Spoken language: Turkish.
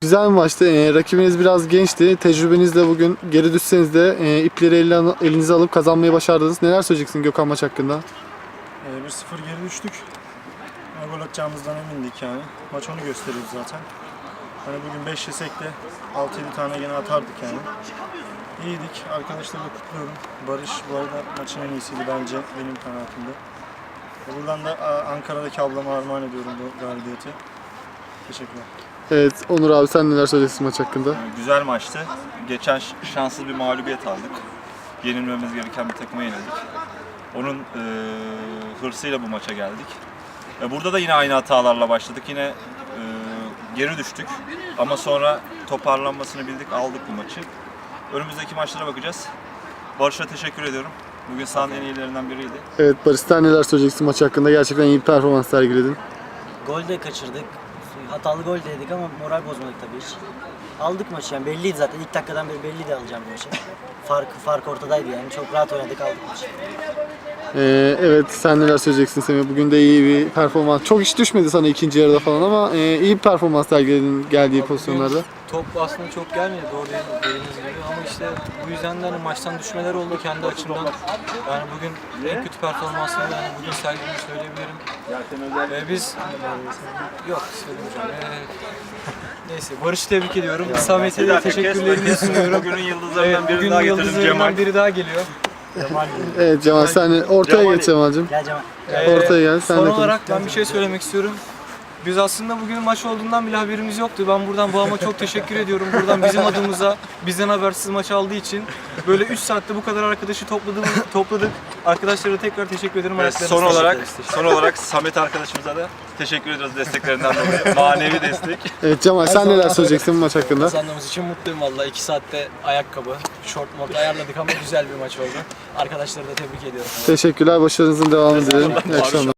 Güzel bir maçtı. Rakibiniz biraz gençti. Tecrübenizle bugün geri düşseniz de ipleri elinize alıp kazanmayı başardınız. Neler söyleyeceksin Gökhan maç hakkında? 1-0 geri düştük. Gol atacağımızdan emindik yani. Maç onu gösteriyor zaten. Hani bugün 5 yesek de 6-7 tane gene atardık yani. İyiydik. Arkadaşları da kutluyorum. Barış bu arada maçın en iyisiydi bence benim kanaatimde. Buradan da Ankara'daki ablama armağan ediyorum bu galibiyeti. Teşekkürler. Evet, Onur abi sen neler söyleyeceksin maç hakkında? Güzel maçtı. Geçen şanssız bir mağlubiyet aldık. Yenilmemiz gereken bir takıma yenildik. Onun hırsıyla bu maça geldik. Burada da yine aynı hatalarla başladık. Yine geri düştük. Ama sonra toparlanmasını bildik, aldık bu maçı. Önümüzdeki maçlara bakacağız. Barış'a teşekkür ediyorum. Bugün sahanın en iyilerinden biriydi. Evet Barış sen neler söyleyeceksin maç hakkında? Gerçekten iyi bir performans sergiledin. Gol de kaçırdık. Hatalı gol de yedik ama moral bozmadık tabii hiç. Aldık maçı yani belliydi zaten. İlk dakikadan beri belliydi alacağım bu maçı. Fark ortadaydı yani. Çok rahat oynadık aldık maçı. Evet sen neler söyleyeceksin Semih? Bugün de iyi bir performans. Çok iş düşmedi sana ikinci yarıda falan ama iyi bir performans sergiledin geldiği pozisyonlarda. Top aslında çok gelmedi doğru dediğiniz gibi ama işte bu yüzden de hani maçtan düşmeler oldu kendi açımdan. Yani bugün en kötü performansını yani bugün sergilediğimi söyleyebilirim. Biz yok söylemeyeceğim. Neyse Barış'ı tebrik ediyorum. Samet'e de teşekkürlerimi sunuyorum. Bugünün yıldızlarından biri daha getirdim Cemal. Yıldızlarından biri daha geliyor. Evet Cemal sen ortaya geç Cemal'cim. Gel Cemal. Ortaya gel. Sen Son de olarak ben bir şey söylemek istiyorum. Biz aslında bugün maç olduğundan bile haberimiz yoktu. Ben buradan Bağım'a çok teşekkür ediyorum. Buradan bizim adımıza bizden habersiz maç aldığı için böyle 3 saatte bu kadar arkadaşı topladık. Arkadaşlara tekrar teşekkür ederim. Ve son olarak Samet arkadaşımıza da teşekkür ediyoruz desteklerinden dolayı. Manevi destek. Evet Cemal sen neler söyleyeceksin maç hakkında? Kazandığımız için mutluyum valla. 2 saatte ayakkabı, şort mod ayarladık ama güzel bir maç oldu. Arkadaşları da tebrik ediyorum. Teşekkürler. Başarınızın devamını dilerim. İyi akşamlar.